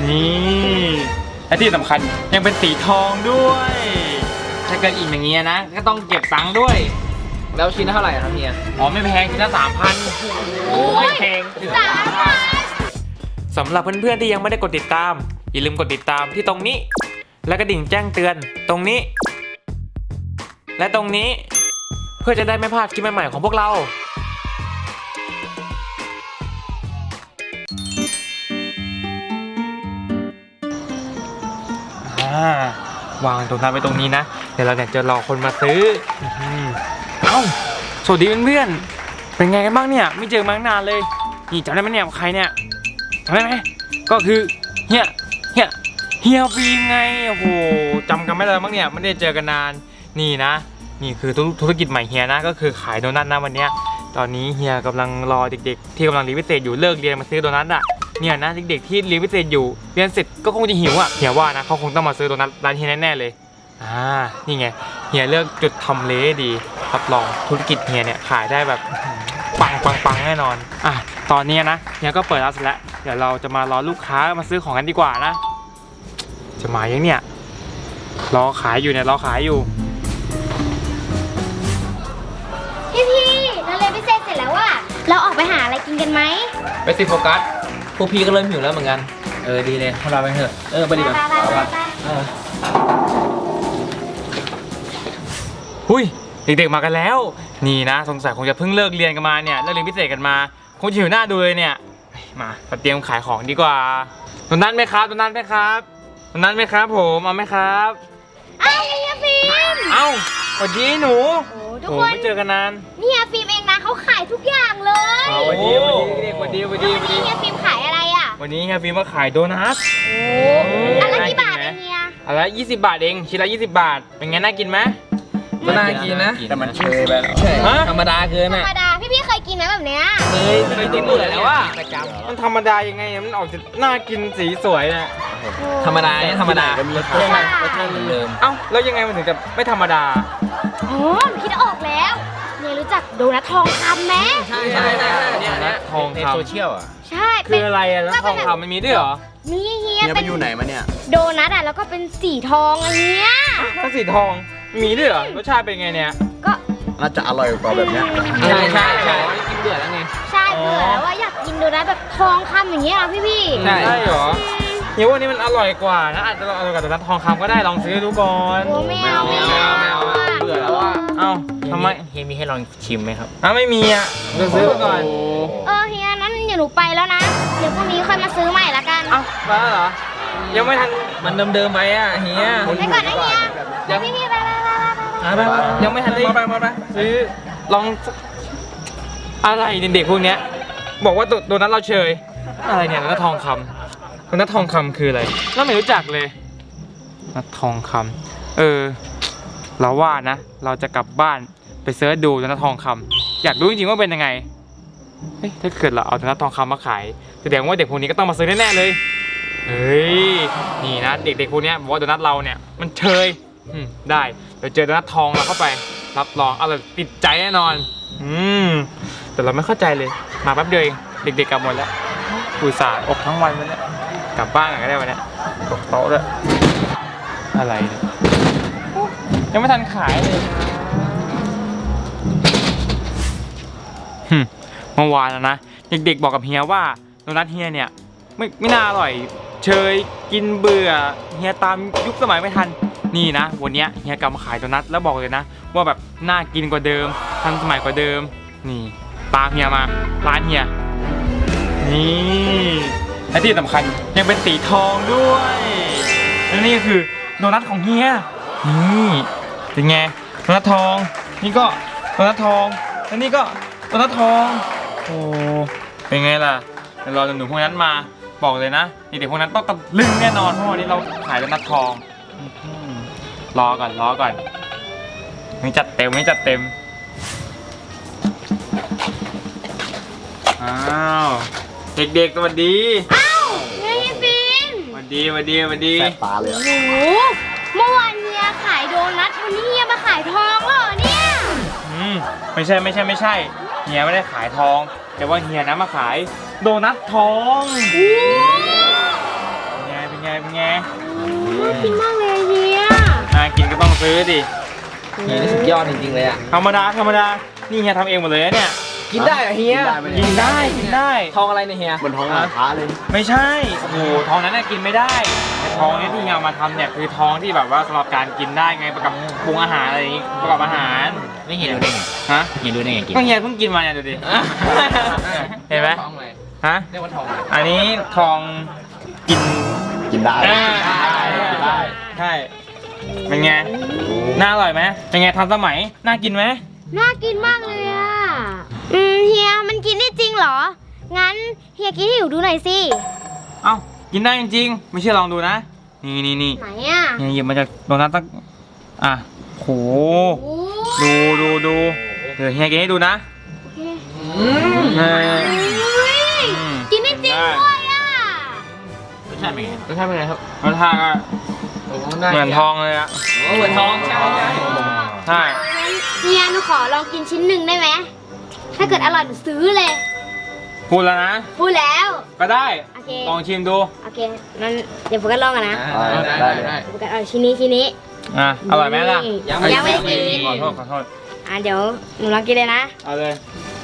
นี่และที่สำคัญยังเป็นสีทองด้วยถ้าเกิดอีกอย่างเงี้ยนะก็ต้องเก็บตังค์ด้วยแล้วชิ้นเท่าไหร่ครับเฮียอ๋อไม่แพงชิ้นละ3,000ไม่แพงสำหรับเพื่อนๆที่ยังไม่ได้กดติดตามอย่าลืมกดติดตามที่ตรงนี้และกระดิ่งแจ้งเตือนตรงนี้และตรงนี้เพื่อจะได้ไม่พลาดคลิปใหม่ๆของพวกเราวางตรงนั้นไว้ตรงนี้นะเดี๋ยวเราเนี่ยจะรอคนมาซื้อเอ้าสวัสดีเพื่อนๆเป็นไงกันบ้างเนี่ยไม่เจอมาตั้งนานเลยนี่จำได้ไหมเนี่ยใครเนี่ยจำได้ไหมก็คือเฮียฟิล์มไงโอ้โหจำกันไม่ได้มั้งเนี่ยไม่ได้เจอกันนานนี่นะนี่คือธุรกิจใหม่เฮียนะก็คือขายโดนัทนะวันนี้ตอนนี้เฮียกำลังรอเด็กๆที่กำลังเรียนพิเศษอยู่เลิกเรียนมาซื้อโดนัทอ่ะเนี่ยนะเด็กๆที่เรียนพิเศษอยู่เรียนเสร็จก็คงจะหิวอ่ะเฮียว่านะเขาคงต้องมาซื้อโดนัทร้านเฮียแน่ๆเลยนี่ไงเฮียเลือกจุดทำเลดีรับรองธุรกิจเฮียเนี่ยขายได้แบบปังแน่นอนตอนนี้นะเฮียก็เปิดร้านเสร็จแล้วเดี๋ยวเราจะมารอลูกค้ามาซื้อของกันดีกว่านะจะมายังเนี่ยรอขายอยู่เราเรียนพิเศษเสร็จแล้วว่ะเราออกไปหาอะไรกินกันไหมไปสิโฟกัสพวกพี่ก็เริ่มหิวแล้วเหมือนกันดีเลยพวกเราไปเถอะไปดีกว่าหุ้ยเด็กๆมากันแล้วนี่นะสงสัยคงจะเพิ่งเลิกเรียนกันมาเนี่ยเลิกเรียนพิเศษกันมาคงจะหิวหน้าดูเลยเนี่ยมาเตรียมขายของดีกว่าตรงนั้นไหมครับผมเอาไหมครับเอ้าเฮียฟิล์มสวัสดีหนูทุกคนไม่เจอกันนานนี่เฮียฟิล์มเองนะเขาขายทุกอย่างเลยสวัสดีเด็กสวัสดีวันนี้เฮียฟิล์มขายอะไรอ่ะวันนี้เฮียฟิล์มมาขายโดนัทอันละกี่บาทเองเฮียอันละ20 บาทเองชิ้นละ20 บาทเป็นไงน่ากินไหมก็น่ากินนะแต่มันเชยไปแล้วธรรมดาเกินธรรมดาพี่เคยกินไหมแบบเนี้ยเคยกินเบื่อแล้วว่ามันธรรมดายังไงมันออกจะน่ากินสีสวยนะธรรมดาเนี่ยธรรมดารสชาติเดิมแล้วยังไงมันถึงจะไม่ธรรมดาคิดออกแล้วเนี่ยรู้จักโดนัททองคำไหมใช่เนี่ยทองคำโซเชียลใช่คืออะไรแล้วทองคำมันมีด้วยเหรอมีเฮียไปอยู่ไหนมาเนี่ยโดนัทแล้วก็เป็นสีทองอะไรเงี้ยก็สีทองมีด้วยเหรอรสชาติเป็นไงเนี่ยก็น่าจะอร่อยกว่าแบบเนี้ยใช่กินเบื่อแล้วไงใช่เบื่อแล้วว่าอยากกินโดนัทแบบทองคำอย่างเงี้ยพี่ใช่เหรอเฮียว่านี่มันอร่อยกว่านะอาจจะอร่อยกว่าโดนัททองคำก็ได้ลองซื้อดูก่อนไม่เอาเบื่อแล้วว่าทำไมเฮียมีให้ลองชิมไหมครับไม่มีจะซื้อก่อนเฮียนั้นเดี๋ยวหนูไปแล้วนะเดี๋ยวพรุ่งนี้ค่อยมาซื้อใหม่ละกันไปแล้วเหรอยังไม่ทันมันเดิมไปเฮียไปก่อนนะเฮียเดี๋ยวพี่ไปยังไม่ทันได้ซื้อลองอะไรเด็กๆพวกเนี้ยบอกว่าโดนัทเราเชยอะไรเนี่ยโดนัททองคำโดนัททองคำคืออะไรเราไม่รู้จักเลยโดนัททองคำเราว่านะเราจะกลับบ้านไปเสิร์ชดูโดนัททองคำอยากรู้จริงๆว่าเป็นยังไงถ้าเกิดเราเอาโดนัททองคำมาขายแสดงว่าเด็กพวกนี้ก็ต้องมาซื้อแน่ๆเลยนี่นะเด็กๆพวกนี้บอกว่าโดนัทเราเนี่ยมันเชยได้เดี๋ยวเจอโดนัททองเราเข้าไปรับรองอร่อยติดใจแน่นอนแต่เราไม่เข้าใจเลยมาแป๊บเดียวเองเด็กๆกลับหมดแล้วอุตส่าห์อบทั้งวันวันนี้กลับบ้านก็ได้วันนี้ตกโต๊ะด้วยอะไรเนี่ยยังไม่ทันขายเลยเมื่อวานนะเด็กๆบอกกับเฮียว่าโดนัทเฮียเนี่ยไม่น่าอร่อยเชยกินเบื่อเฮียตามยุคสมัยไม่ทันนี่นะวันนี้เฮียกลับมาขายโดนัทแล้วบอกเลยนะว่าแบบน่ากินกว่าเดิมทันสมัยกว่าเดิมนี่ตามเฮียมาร้านเฮียนี่และที่สำคัญยังเป็นสีทองด้วยและนี่คือโดนัทของเฮียนี่เป็นไงโดนัททองนี่ก็โดนัททองและนี่ก็โดนัททองโอ้เป็นไงล่ะเดี๋ยวรอหนุ่มพวกนั้นมาบอกเลยนะเด็กพวกนั้นต้องตะลึงแน่นอนเพราะวันนี้เราขายโดนัททองรอก่อนไม่จัดเต็มเด็กๆสวัสดีเฮียฟิล์มสวัสดีแสบตาเลยเมื่อวานเฮียขายโดนัทวันนี้เฮียมาขายทองเหรอเนี่ยไม่ใช่เฮียไม่ได้ขายทองแต่ว่าเฮียนะมาขายโดนัททองไงกินมากเลยเฮียน่ากินก็ต้องซื้อดิเฮียนี่สุดยอดจริงๆเลยอ่ะธรรมดานี่เฮียทำเองหมดเลยนะเนี่ยกินได้เหรอเฮียกินได้ทองอะไรเนี่ยเฮียบนท้องร้านค้าเลยไม่ใช่โอ้โหทองนั้นน่ะกินไม่ได้แต่ทองเนี่ยที่เฮียเอามาทำเนี่ยคือทองที่แบบว่าสำหรับการกินได้ไงประกอบปรุงอาหารอะไรอย่างงี้ประกอบอาหารไม่เฮียรู้ได้ไงฮะเฮียรู้ได้ไงกินก็เฮียเพิ่งกินมาเนี่ยดูดิ เห็นไหมทองอะไรฮะเรียกว่าทองอะไรอันนี้ทองกินกินได้กินได้ใช่เป็นไงน่าอร่อยไหมเป็นไงทันสมัยน่ากินไหมน่ากินมากเลยอ่ะเฮียมันกินได้จริงเหรองั้นเฮียกินให้หนูดูหน่อยสิเอ้ากินได้จริงๆไม่เชื่อลองดูนะนี่ไหนอ่ะเฮียหยิบมาจากโดนัทตั้งอ่ะโหโอ้ดูเดี๋ยวเฮียกินให้ดูนะโอเคเอออุ๊ยกินได้จริงด้วยอ่ะรสชาติเป็นไงรสชาติเป็นไงครับรสชาติก็โอ้เหมือนทองเลยอะเหมือนทองใช่ใช่งั้นเฮียหนูขอลองกินชิ้นหนึ่งได้ไหมถ้าเกิดอร่อยหนูซื้อเลยพูดแล้วนะพูดแล้วก็ได้โอเคลองชิมดูโอเคงั้นเดี๋ยวโฟกัสลองกันนะได้โฟกัสเอาชิ้นนี้อ่ะอร่อยไหมล่ะยังไม่ได้กินขอโทษเดี๋ยวหนูลองกินเลยนะเอาเลย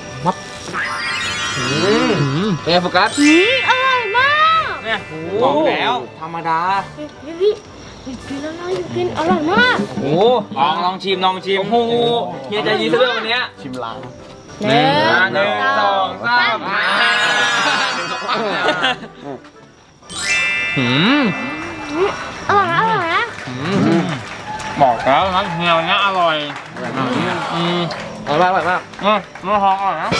เป็นไงโฟกัสอร่อยมากเนี่ยบอกแล้วธรรมดากินแล้วนะกินอร่อยมากโอ้ลองชิมโอ้โหเฮียใจดีซะด้วยวันเนี้ยชิมล้างหนึ่งสองสามอร่อยนะบอกแล้วนะเฮียเนี้ยอร่อยอืมอร่อยมากน้ำทองอร่อยนะ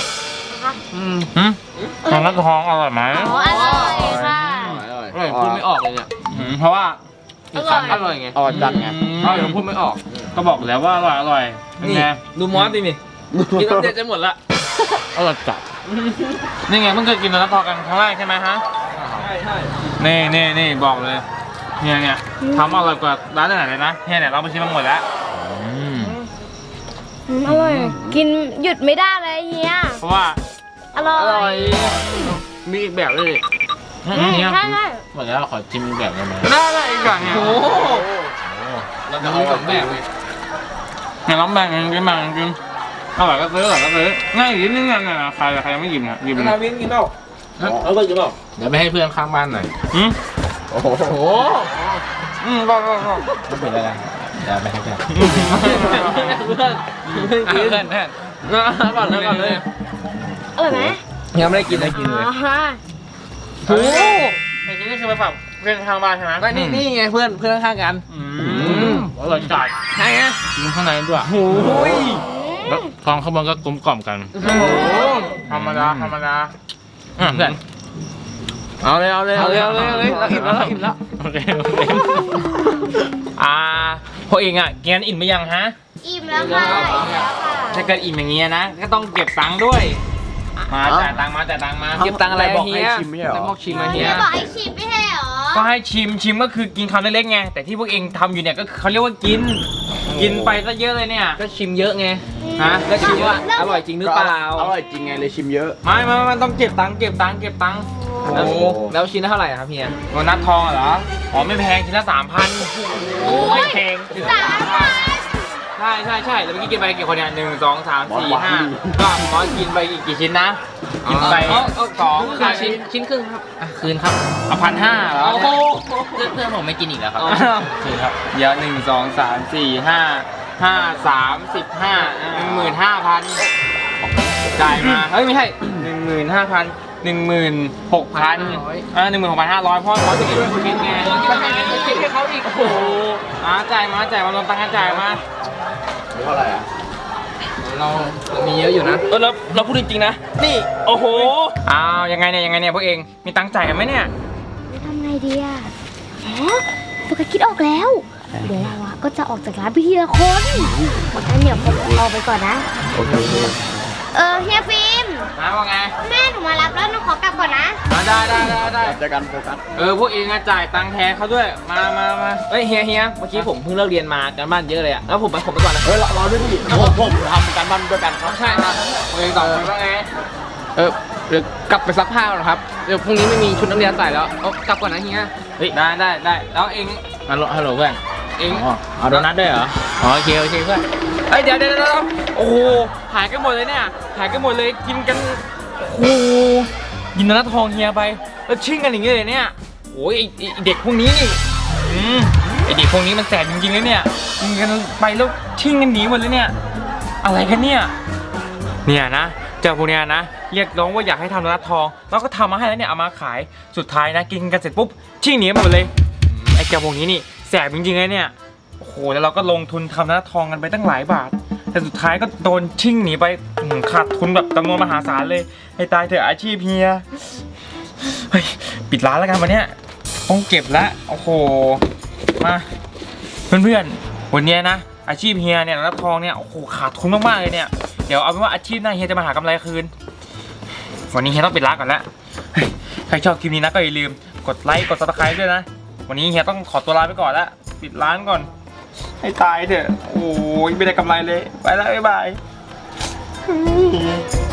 น้ำทองอร่อยไหมอ๋ออร่อยค่ะอร่อยพูดไม่ออกเลยเนี่ยเพราะว่าอร่อยไงอร่อยจัดไงยังพูดไม่ออกก็บอกแล้วว่าอร่อยเป็นนี่ไงดูมอสดินี่กินน้ำเด็ดจะหมดละอร่อยจัดนี่ไงเพิ่งเคยกินน้ำทองกันครั้งแรกใช่ไหมฮะใช่นี่บอกเลยเนี่ยทำอร่อยกว่าร้านไหนเลยนะเนี่ยเราไปชิมมาหมดแล้วอร่อย กินหยุดไม่ได้เลยเฮียเพราะว่าอร่อยมีอีกแบบเลยเนี่ยใช่หมดแล้วขอชิมอีกแบบได้ไหมได้อีกอย่างเนี่ยโอ้เราจะเอาสองแบบเลยเนี่ยร้องแบ่งกันกินอร่อยก็ซื้อง่ายอีกนิดนึงเนี่ยใครยังไม่หยิบเนี่ยหยิบนาวินกินเปล่าเอาไปกินเปล่าเดี๋ยวไปให้เพื่อนข้างบ้านหน่อยโอ้โหโอ้โหบอกไม่เป็นไรเดี๋ยวไปให้เพื่อนเพื่อนกินเพื่อนก่อนเลยอร่อยไหมยังไม่ได้กินเลยกินเลยอ๋อฮะโอ้ไอ้นี่คือไปฝากเพื่อนข้างบ้านใช่ไหมก็นี่ไงเพื่อนข้างกันอร่อยจัดใช่ไงกินข้างในด้วยโอ้ยแล้วทองข้างบนก็กลมกล่อมกันธรรมดาเพื่อนเอาเลยเราอิ่มแล้วโอเคพวกเองอ่ะกินอิ่มไปยังฮะอิ่มแล้วค่ะอิ่มแล้วค่ะถ้าเกิดอิ่มอย่างเงี้ยนะก็ต้องเก็บตังค์ด้วยมาจ่ายตังค์มาเก็บตังค์อะไรบอกเฮีให้ยชิมไม่ใช่เหรอบอกชิมมาเฮีเฮียยบอกให้ชิมไม่ใช่เหรอก็ให้ชิมก็คือกินคำเล็กๆไงแต่ที่พวกเองทำอยู่เนี่ยก็คือเขาเรียกว่ากินไปซะเยอะเลยเนี่ยก็ชิมเยอะไงฮะก็ชิมว่าอร่อยจริงหรือเปล่าอร่อยจริงไงเลยชิมเยอะไม่ต้องเก็บตังค์แล้วแล้วชิ้นละเท่าไหร่ครับเฮียโดนัททองเหรออ๋อไม่แพงชิ้นละ 3,000ไม่แพงชิ้นละ ใช่แล้วเมื่อกี้กินไปกี่คนเนี่ย1 2 3 4 5ก็มอสกินไปอีกกี่ชิ้นนะกินไป2 คือชิ้นครึ่งครับคืนครับ 1,500เหรอโอ้โหเพื่อนผมไม่กินอีกแล้วครับคืนครับเดี๋ยว1 2 3 4 5 5 3 15 15,000จ่ายมาเฮ้ยไม่ใช่ 15,000 16,000 16,500พ่อขอจะกินด้วยกินไงคิดให้เขาอีกโอ้โหจ่ายมารวมตังค์กันจ่ายมาเท่าไหร่อ่ะเรามีเยอะอยู่นะแล้วเราพูดจริงๆนะนี่โอ้โหอ้าวยังไงเนี่ยพวกเองมีตังค์จ่ายกันไหมเนี่ยทำไงดีอ่ะอ๋อโฟกัสคิดออกแล้ว เดี๋ยวเราอะก็จะออกจากร้านไปทีละคนงั้นเดี๋ยวผมเอาไปก่อนนะโอเคเฮียฟิล์มมาว่าไงแม่หนูมารับแล้วหนูขอกลับก่อนนะได้เจอกันโฟกัสพวกเองอะจ่ายตังค์แทนเขาด้วยมาเฮ้ยเฮียเมื่อกี้ผมเพิ่งเลิกเรียนมาการบ้านเยอะเลยอะแล้วผมไปก่อนนะเฮ้ยรอด้วยดิผมทำการบ้านด้วยกันครับใช่ครับพวกเองตอบมาว่าไงเดี๋ยวกลับไปซักผ้าก่อนครับเดี๋ยวพรุ่งนี้ไม่มีชุดนักเรียนใส่แล้วเอากลับก่อนนะเฮียเฮ้ยได้แล้วเองฮัลโหลเพื่อนเองอ๋อเอาโดนัทด้วยเหรออ๋อโอเคเพื่อนเอ้ยเดี๋ยวโอ้โหหายกันหมดเลยเนี่ยหายกันหมดเลยกินกันโอ้โหกินโดนัททองเฮียไปแล้วชิ่งกันอย่างเงี้ยเลยเนี่ยโอ้ยไอ้เด็กพวกนี้นี่ไอเด็กพวกนี้มันแสบจริงๆเลยเนี่ยกินกันไปแล้วชิ่งกันหนีหมดเลยเนี่ยอะไรกันเนี่ยนะเจ้าพวกเนี้ยนะเรียกร้องว่าอยากให้ทำโดนัททองแล้วก็ทำมาให้แล้วเนี่ยเอามาขายสุดท้ายนะกินกันเสร็จปุ๊บชิ่งหนีหมดเลยไอ้เจ้าพวกนี้นี่แสบจริงๆเลยเนี่ยโอ้โหแล้วเราก็ลงทุนทำโดนัททองกันไปตั้งหลายบาทแต่สุดท้ายก็โดนชิ่งหนีไปขาดทุนแบบจำนวนมหาศาลเลยให้ตายเถอะอาชีพเฮียเฮ้ยปิดร้านแล้วกันวันเนี้ยต้องเก็บละโอ้โหมาเพื่อนๆวันเนี้ยนะอาชีพเฮียเนี่ยโดนัททองเนี่ยโอ้โหขาดทุนมากๆเลยเนี่ยเดี๋ยวเอาเป็นว่าอาชีพหน้าเฮียจะมาหากำไรคืนวันนี้เฮียต้องปิดร้านก่อนละใครชอบคลิปนี้นะก็อย่าลืมกดไลค์กด Subscribe ด้วยนะวันนี้เฮียต้องขอตัวลาไปก่อนละปิดร้านก่อนให้ตายเถอะโอ้ยไม่ได้กำไรเลยไปแล้วบ๊ายบาย